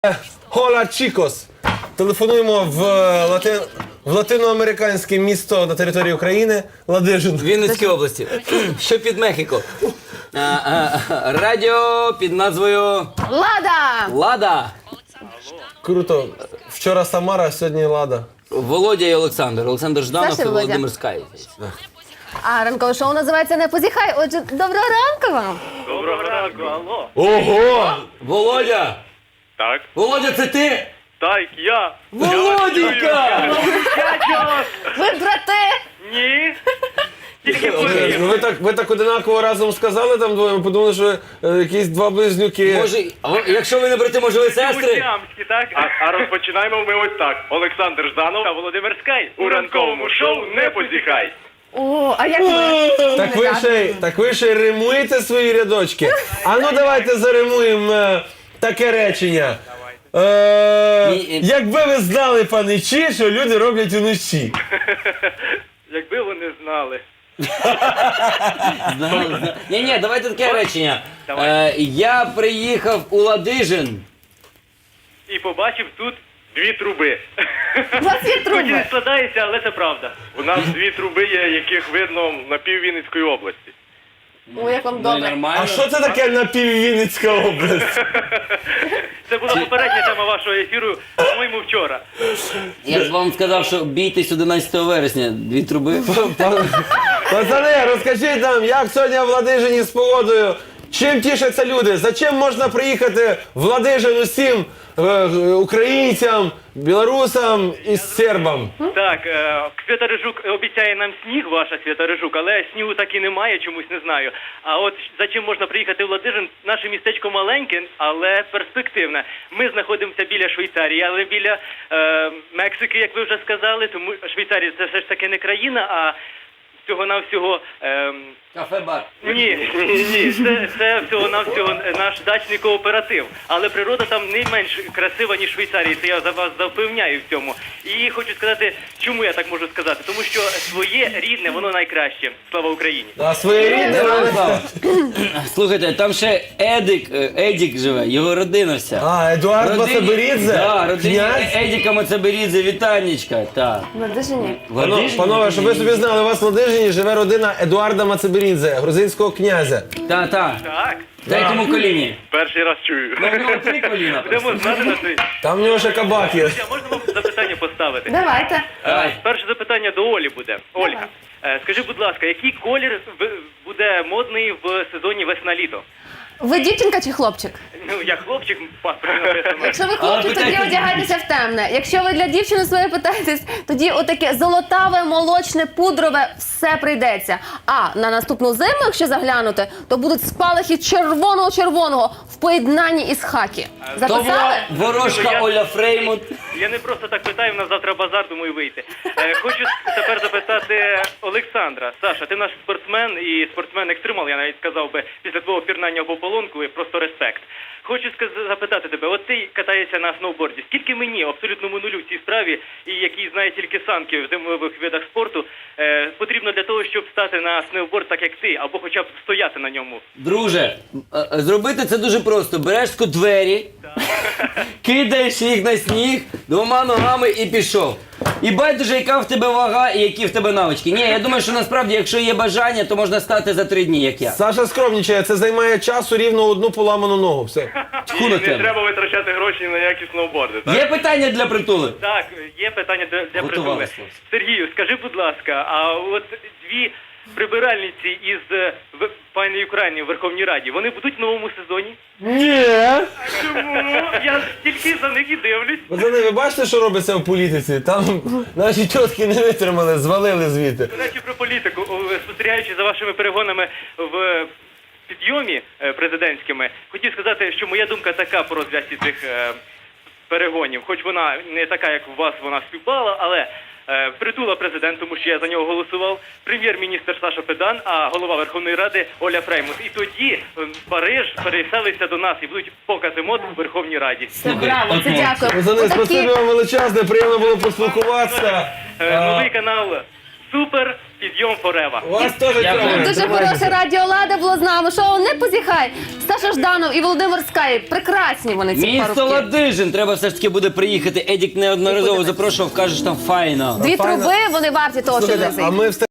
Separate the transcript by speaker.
Speaker 1: Hola, chicos! Телефонуємо в латиноамериканське місто на території України Ладижин.
Speaker 2: Вінницькій області, що під Мехіко. Радіо під назвою
Speaker 3: Лада!
Speaker 2: Лада.
Speaker 1: Круто. Вчора Самара, сьогодні Лада.
Speaker 2: Володя і Олександр. Олександр Жданов
Speaker 3: Саша
Speaker 2: і
Speaker 3: і Володя.
Speaker 2: Володимир Скай.
Speaker 3: А ранкове шоу називається «Не позіхай». Отже, доброго ранку вам!
Speaker 4: Доброго ранку, алло.
Speaker 1: Ого!
Speaker 2: Володя!
Speaker 4: Так,
Speaker 2: Володя, це ти?
Speaker 4: так, я.
Speaker 2: Володенька!
Speaker 3: Ви брати!
Speaker 4: Ні. Тільки повірив.
Speaker 1: Ви так одинаково разом сказали там двоє, ми подумали, що якісь два близнюки.
Speaker 2: Може, якщо ви не брати, може ви сестри?
Speaker 4: Сямські, так? А розпочинаємо ми ось так. Олександр Жданов та Володимир Скай. У ранковому шоу «Не позіхай».
Speaker 3: О, а як ви?
Speaker 1: Так ви ще й римуєте свої рядочки. А ну давайте заримуємо таке речення. Якби ви знали, паничі, що люди роблять уночі.
Speaker 4: Якби вони знали.
Speaker 2: Ні, давайте таке речення.
Speaker 4: Давай.
Speaker 2: Я приїхав у Ладижин.
Speaker 4: І побачив тут дві труби.
Speaker 3: У вас є
Speaker 4: Хоч і
Speaker 3: труби?
Speaker 4: не складається, але це правда. У нас дві труби є, яких видно на піввінницької області.
Speaker 3: О, як вам
Speaker 2: Ну,
Speaker 3: добре.
Speaker 2: нормально.
Speaker 1: А що це таке напіввінницька область?
Speaker 4: Це була попередня тема вашого ефіру, по-моєму, вчора.
Speaker 2: Я б вам сказав, що бійтесь 11 вересня. Дві труби.
Speaker 1: Пацани, розкажіть нам, як сьогодні в Ладижині з погодою? Чим тішаться люди? За чим можна приїхати в Ладижин усім українцям, білорусам і сербам?
Speaker 4: Так, Свята-Рижук обіцяє нам сніг, ваша Свята-Рижук, але снігу так і немає, чомусь не знаю. А от за чим можна приїхати в Ладижин? Наше містечко маленьке, але перспективне. Ми знаходимося біля Швейцарії, але біля Мексики, як ви вже сказали, тому Швейцарія це все ж таки не країна, а всього-навсього...
Speaker 2: Кафе-бар.
Speaker 4: Ні, це всього-навсього наш дачний кооператив. Але природа там не менш красива, ніж в Швейцарії, це я за вас запевняю в цьому. І хочу сказати, чому я так можу сказати? Тому що своє рідне, воно найкраще. Слава Україні!
Speaker 1: А своєрідне
Speaker 2: Слухайте, там ще Едік живе, його родина вся.
Speaker 1: А, Едуард Мацаберідзе?
Speaker 2: Да, родині
Speaker 1: Князь?
Speaker 2: Едіка Мацаберідзе, вітанечка, так.
Speaker 3: В Ладижині?
Speaker 1: Панове, щоб ви собі знали, у вас в Ладижині живе родина Едуарда Мацаберідзе, грузинського князя.
Speaker 2: Так.
Speaker 4: Так,
Speaker 2: Дай тому коліні.
Speaker 4: перший раз чую.
Speaker 2: Ну, в нього 3 коліна.
Speaker 4: Будемо знати на цей.
Speaker 1: Там в нього ще кабак є.
Speaker 4: Друзі, а можна вам запитання поставити?
Speaker 3: Давайте.
Speaker 2: Давай.
Speaker 4: Перше запитання до Олі буде. Ольга, скажи, будь ласка, який колір буде модний в сезоні весна-літо?
Speaker 3: Ви дівчинка чи хлопчик?
Speaker 4: Ну, я хлопчик, паспорт написано.
Speaker 3: Якщо ви хлопчик, тоді
Speaker 2: питайте-
Speaker 3: одягайтеся в темне. Якщо ви для дівчини своєї питаєтесь, тоді отаке золотаве, молочне, пудрове все прийдеться. А на наступну зиму, якщо заглянути, то будуть спалахи червоного-червоного в поєднанні із хакі.
Speaker 2: То була
Speaker 3: Записали?
Speaker 2: ворожка Оля Фреймут.
Speaker 4: Я не просто так питаю, в нас завтра базар, думаю, вийти. Хочу тепер запитати Олександра. Саша, ти наш спортсмен і спортсмен-екстремал, я навіть сказав би, після твого пірнання в ополонку, просто респект. Хочу запитати тебе, от ти катаєшся на сноуборді. Скільки мені, абсолютному нулю в цій справі, і який знає тільки санки в зимових видах спорту, потрібно для того, щоб стати на сноуборд так, як ти, або хоча б стояти на ньому?
Speaker 2: Друже, зробити це дуже просто. Береш двері, кидаєш їх на сніг 2 ногами і пішов. І байдуже, яка в тебе вага і які в тебе навички. Ні, я думаю, що насправді, якщо є бажання, то можна стати за 3 дні, як я.
Speaker 1: Саша скромнічає, це займає часу рівно 1 поламану ногу. Все.
Speaker 2: Тьху
Speaker 4: І
Speaker 2: на
Speaker 4: не
Speaker 2: тебе.
Speaker 4: треба витрачати гроші на які сноуборди, так?
Speaker 2: Є питання для притули?
Speaker 4: Так, є питання для притули.
Speaker 2: Готувалися, хлопці.
Speaker 4: Сергію, скажи, будь ласка, а от дві прибиральниці із пані України в Верховній Раді, вони будуть в новому сезоні?
Speaker 1: Ні!
Speaker 4: Чому? Я тільки за них і дивлюсь.
Speaker 1: Пацани, ви бачите, що робиться в політиці? Там наші тітки не витримали, звалили звідти.
Speaker 4: До речі, про політику. Спостерігаючи за вашими перегонами в підйомі президентськими, хотів сказати, що моя думка така по розв'язці цих перегонів. Хоч вона не така, як у вас вона співпала, але притула президент, тому що я за нього голосував, прем'єр-міністр Саша Педан, а голова Верховної Ради Оля Фреймут. І тоді Париж переселиться до нас і будуть покази мод у Верховній Раді.
Speaker 3: Це браво, це дякую.
Speaker 1: Пацани,
Speaker 3: Отакі-
Speaker 1: спасибі вам величезне, приємно було поспілкуватися.
Speaker 4: Новий канал Супер, підйом форева.
Speaker 1: Вас теж
Speaker 2: Дякую.
Speaker 1: тримаю.
Speaker 3: Дуже хороше радіо Лада було з нами. Шоу «Не позіхай». Саша Жданов і Володимир Скай. Прекрасні вони, ці
Speaker 2: Місто
Speaker 3: парубки.
Speaker 2: Ладижин, треба все ж таки буде приїхати. Едік неодноразово запрошував, кажеш, там файно.
Speaker 3: Дві труби, вони варті того, щоб
Speaker 1: Слухайте,
Speaker 3: не
Speaker 1: а ми